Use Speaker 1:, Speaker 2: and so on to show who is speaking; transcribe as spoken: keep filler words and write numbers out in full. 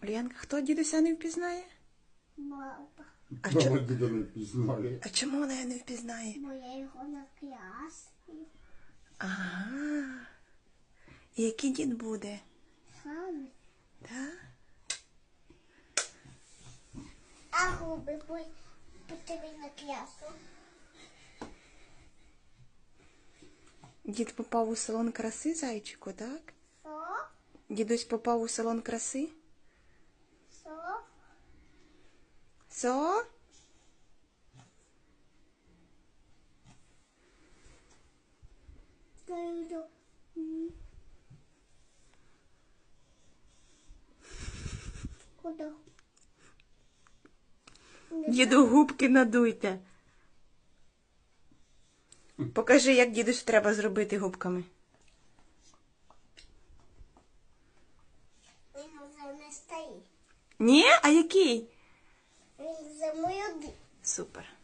Speaker 1: Ульянка, хто дідуся не впізнає?
Speaker 2: Мама.
Speaker 1: А,
Speaker 3: Мама
Speaker 1: чо...
Speaker 3: діда не впізнає.
Speaker 1: а чому вона його не впізнає?
Speaker 2: Бо я його накрасив.
Speaker 1: Ага. І який дід буде?
Speaker 2: Саме.
Speaker 1: Так?
Speaker 2: А губи по тобі накрасу.
Speaker 1: Дід попав у салон краси, зайчику, так?
Speaker 2: Що?
Speaker 1: Дідусь попав у салон краси?
Speaker 2: Що?
Speaker 1: Со?
Speaker 2: Кайду. Куди?
Speaker 1: Діду губки надуйте. Покажи, як дідусь треба зробити губками.
Speaker 2: Він вже не стоїть.
Speaker 1: Ні? А який?
Speaker 2: Він за мою ди.
Speaker 1: Супер.